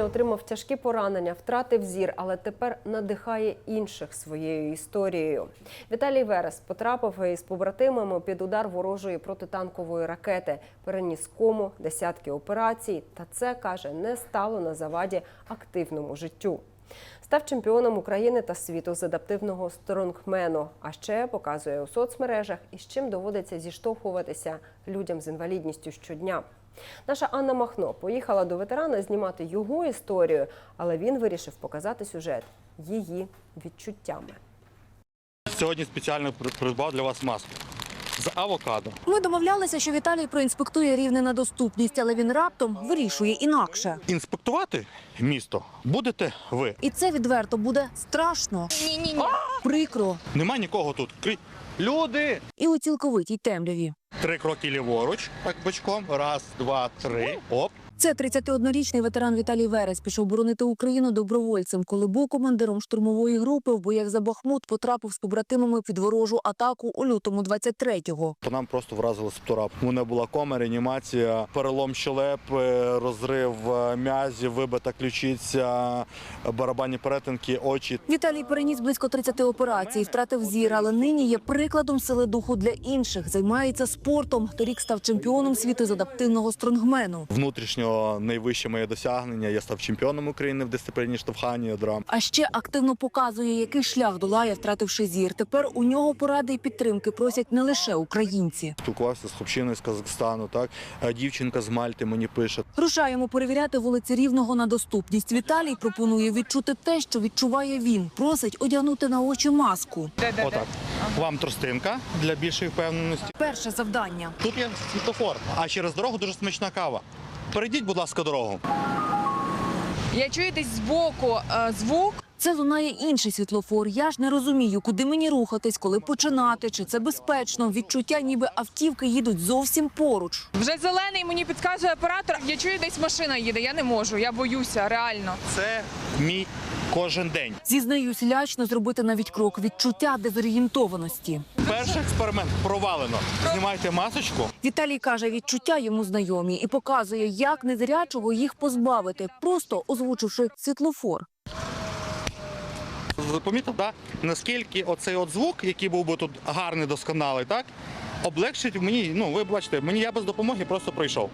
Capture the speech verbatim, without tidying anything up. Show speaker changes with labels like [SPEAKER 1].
[SPEAKER 1] травня отримав тяжкі поранення, втратив зір, але тепер надихає інших своєю історією. Віталій Верес потрапив із побратимами під удар ворожої протитанкової ракети, переніс кому, десятки операцій, та це, каже, не стало на заваді активному життю. Став чемпіоном України та світу з адаптивного стронгмену, а ще показує у соцмережах, із чим доводиться зіштовхуватися людям з інвалідністю щодня. Наша Анна Махно поїхала до ветерана знімати його історію, але він вирішив показати сюжет її відчуттями.
[SPEAKER 2] Сьогодні спеціально придбав для вас маску з авокадо.
[SPEAKER 3] Ми домовлялися, що Віталій проінспектує Рівне на доступність, але він раптом вирішує інакше.
[SPEAKER 2] Інспектувати місто будете ви.
[SPEAKER 3] І це відверто буде страшно. Ні-ні-ні. Прикро.
[SPEAKER 2] Нема нікого тут. Крі- Люди!
[SPEAKER 3] І у цілковитій темряві.
[SPEAKER 2] Три кроки ліворуч, так бочком. Раз, два, три. Оп.
[SPEAKER 3] Це тридцятиоднорічний ветеран Віталій Верес пішов боронити Україну добровольцем, коли був командиром штурмової групи в боях за Бахмут, потрапив з побратимами під ворожу атаку у лютому двадцять третього.
[SPEAKER 2] По нам просто вразили септора. У мене була кома, реанімація, перелом щелепи, розрив м'язів, вибита ключиця, барабанні перетинки, очі.
[SPEAKER 3] Віталій переніс близько тридцяти операцій, втратив зір, але нині є прикладом сили духу для інших. Займається спортом. Торік став чемпіоном світу з адаптивного стронгмену.
[SPEAKER 2] Внутрішньо найвище моє досягнення. Я став чемпіоном України в дисципліні штовхання ядра.
[SPEAKER 3] А ще активно показує, який шлях долає, втративши зір. Тепер у нього поради і підтримки просять не лише українці.
[SPEAKER 2] Спілкувався з хлопчиною з Казахстану, так? Дівчинка з Мальти мені пише.
[SPEAKER 3] Рушаємо перевіряти вулиці Рівного на доступність. Віталій пропонує відчути те, що відчуває він. Просить одягнути на очі маску.
[SPEAKER 2] Отак. Вам тростинка для більшої впевненості.
[SPEAKER 3] Перше завдання.
[SPEAKER 2] Тут є світлофор, а через дорогу дуже смачна кава. Перейдіть, будь ласка, дорогу.
[SPEAKER 4] Я чую десь збоку е, звук.
[SPEAKER 3] Це лунає інший світлофор. Я ж не розумію, куди мені рухатись, коли починати, чи це безпечно. Відчуття, ніби автівки їдуть зовсім поруч.
[SPEAKER 4] Вже зелений мені підказує оператор. Я чую, десь машина їде. Я не можу, я боюся, реально.
[SPEAKER 2] Це мій кожен день.
[SPEAKER 3] Зізнаюсь, лячно зробити навіть крок. Відчуття дезорієнтованості.
[SPEAKER 2] Перший експеримент провалено. Знімайте масочку.
[SPEAKER 3] Віталій каже, відчуття йому знайомі і показує, як незрячого їх позбавити, просто озвучивши світлофор.
[SPEAKER 2] Помітив, да? Наскільки оцей от звук, який був би тут гарний, досконалий, так? Облегшить мені, ну ви бачите, мені я без допомоги просто пройшов.